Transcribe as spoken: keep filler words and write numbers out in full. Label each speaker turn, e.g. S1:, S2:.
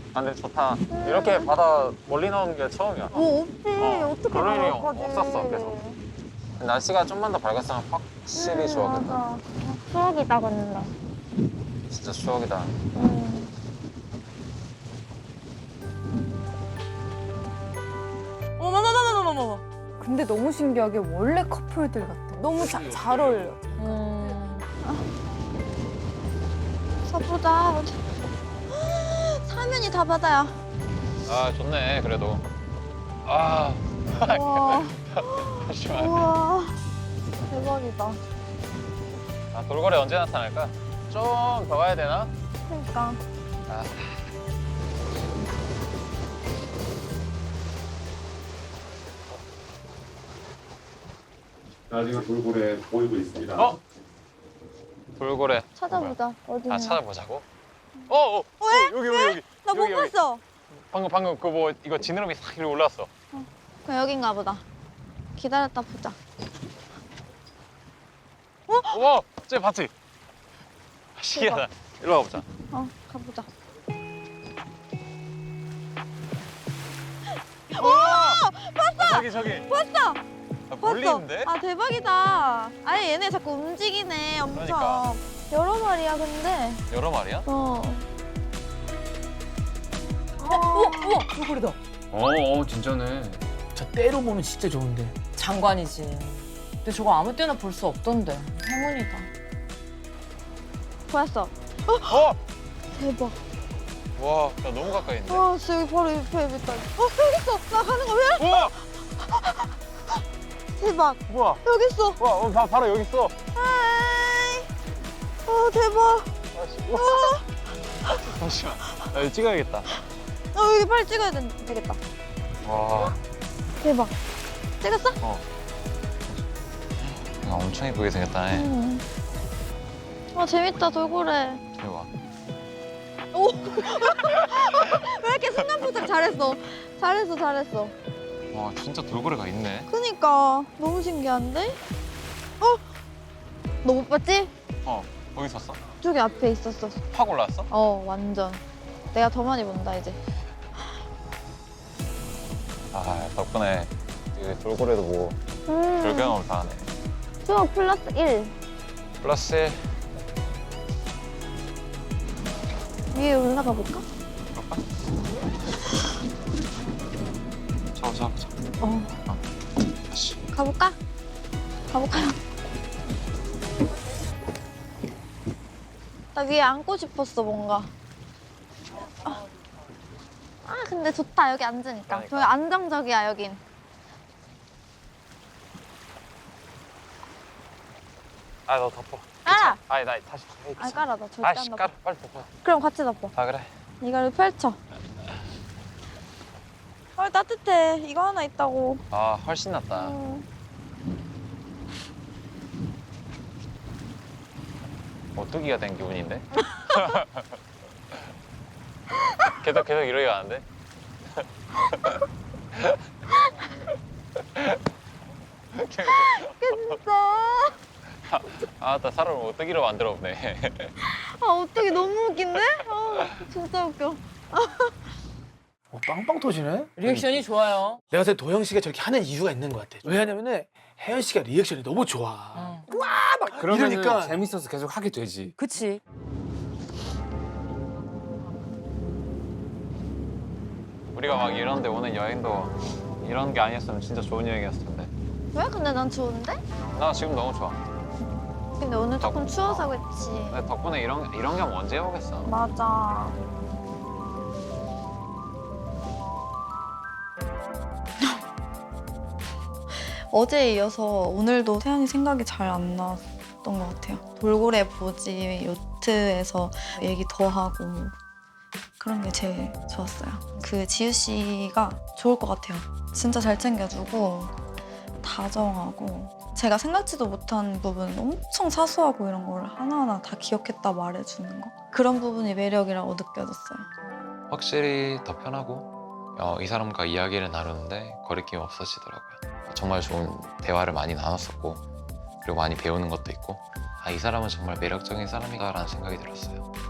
S1: 아, 근데 좋다. 이렇게 바다 멀리 나오는 게 처음이야.
S2: 뭐 없지.
S1: 어,
S2: 어떻게
S1: 그럴 일이
S2: 나올까지.
S1: 없었어, 계속. 날씨가 좀만 더 밝았으면 확실히 좋았겠다.
S2: 맞아. 추억이다, 근데.
S1: 진짜 추억이다.
S2: 음.
S3: 어머머머머머머머.
S4: 근데 너무 신기하게 원래 커플들 같아. 너무 자, 잘 어울려.
S3: 음.
S2: 서보자. 어디. 사면이 다 바다야.
S1: 아, 좋네, 그래도. 아,
S2: 우와.
S1: 잠시만.
S2: 우와. 대박이다.
S1: 아, 돌고래 언제 나타날까? 좀 더 가야 되나?
S2: 그러니까.
S1: 아.
S5: 나중에 돌고래 보이고 있습니다.
S1: 어? 돌고래.
S2: 찾아보자. 어디 있나?
S1: 아, 찾아보자고? 어, 어, 어, 여기, 여기, 여기.
S2: 나 못
S1: 여기, 여기.
S2: 봤어.
S1: 방금, 방금 그 뭐, 이거 지느러미 싹 이리 올라왔어.
S2: 그럼 여긴가 보다. 기다렸다 보자.
S1: 와, 쟤 봤지? 신기하다. 일로 와보자.
S2: 어, 가보자.
S1: 와! 봤어! 저기, 저기.
S2: 봤어!
S1: 아, 멀리
S2: 봤어.
S1: 있는데?
S2: 아, 대박이다. 아니, 얘네 자꾸 움직이네, 엄청.
S1: 그러니까.
S2: 여러 마리야, 근데.
S1: 여러 마리야?
S2: 어.
S3: 우와 우와 돌고래다.
S6: 어, 어 진짜네.
S7: 저 때로 보면 진짜 좋은데.
S3: 장관이지. 근데 저거 아무 때나 볼 수 없던데. 행운이다.
S2: 보였어.
S1: 어!
S2: 대박.
S1: 와, 나 너무 가까이 있는데?
S2: 와, 진짜 여기 바로 옆에 있다. 어, 여기 있어. 나 가는 거 왜?
S1: 우와!
S2: 대박.
S1: 우와!
S2: 여기 있어.
S1: 와, 어, 바, 바로 여기 있어.
S2: 하이. 어, 대박.
S1: 아, 우와. 잠시만. 나 이거 찍어야겠다.
S2: 어, 여기 빨리 찍어야 되, 되겠다.
S1: 와.
S2: 대박. 찍었어?
S1: 야, 엄청 예쁘게 생겼다. 네.
S2: 응. 아, 재밌다, 돌고래.
S1: 이리 와.
S2: 왜 이렇게 순간 포착 잘했어? 잘했어, 잘했어.
S1: 와, 진짜 돌고래가 있네.
S2: 그니까 너무 신기한데? 어? 너 못 봤지?
S1: 어, 거기 있었어?
S2: 저기 앞에 있었어.
S1: 확 올라왔어?
S2: 어, 완전. 내가 더 많이 본다, 이제.
S1: 아, 덕분에 이 돌고래도 보고
S2: 음.
S1: 불경험을 다 하네.
S2: 추억 플러스 일.
S1: 플러스 일.
S2: 위에 올라가 볼까?
S1: 그럴까? 잡아, 잡아, 잡아.
S2: 어.
S1: 어. 다시.
S2: 가볼까? 가볼까요? 나 위에 앉고 싶었어, 뭔가. 아, 아, 근데 좋다, 여기 앉으니까.
S1: 그러니까.
S2: 저기 안정적이야, 여긴.
S1: 아, 너 덮어.
S2: 깔아!
S1: 아니, 나 다시. 에이,
S2: 아, 깔아, 나 절대
S1: 아이씨,
S2: 안 덮어.
S1: 깔아. 빨리 덮어.
S2: 그럼 같이 덮어.
S1: 아, 그래.
S2: 이거를 펼쳐. 아, 따뜻해. 이거 하나 있다고.
S1: 아, 훨씬 낫다.
S2: 음.
S1: 오뚜기가 된 기분인데? 계속 계속 이러게 가는데?
S2: 진짜.
S1: 아, 나 사람을 오뚜기로 만들어 보네.
S2: 아, 어떻게 너무 웃긴데? 아, 진짜 웃겨.
S7: 어, 빵빵 터지네.
S3: 리액션이 좋아요.
S7: 내가 봤을 때 도영 씨가 저렇게 하는 이유가 있는 것 같아. 왜냐면은 혜연 씨가 리액션이 너무 좋아.
S3: 응.
S7: 막
S6: 그러면
S7: 이러니까
S6: 재밌어서 계속 하게 되지.
S3: 그치.
S1: 우리가 막 이런데 오는 여행도 이런 게 아니었으면 진짜 좋은 여행이었을 텐데.
S2: 왜? 근데 난 좋은데?
S1: 나 지금 너무 좋아.
S2: 근데 오늘 조금 추워서 그렇지.
S1: 근데 덕분에 이런 이런 경험 언제 해보겠어?
S2: 맞아. 어제에 이어서 오늘도 태연이 생각이 잘 안 났던 것 같아요. 돌고래 보지, 요트에서 얘기 더 하고 그런 게 제일 좋았어요. 그 지우 씨가 좋을 것 같아요. 진짜 잘 챙겨주고 다정하고 제가 생각지도 못한 부분 엄청 사소하고 이런 걸 하나하나 다 기억했다 말해주는 거 그런 부분이 매력이라고 느껴졌어요.
S8: 확실히 더 편하고 어, 이 사람과 이야기를 나누는데 거리낌이 없어지더라고요. 정말 좋은 대화를 많이 나눴었고 그리고 많이 배우는 것도 있고 아, 이 사람은 정말 매력적인 사람이다라는 생각이 들었어요.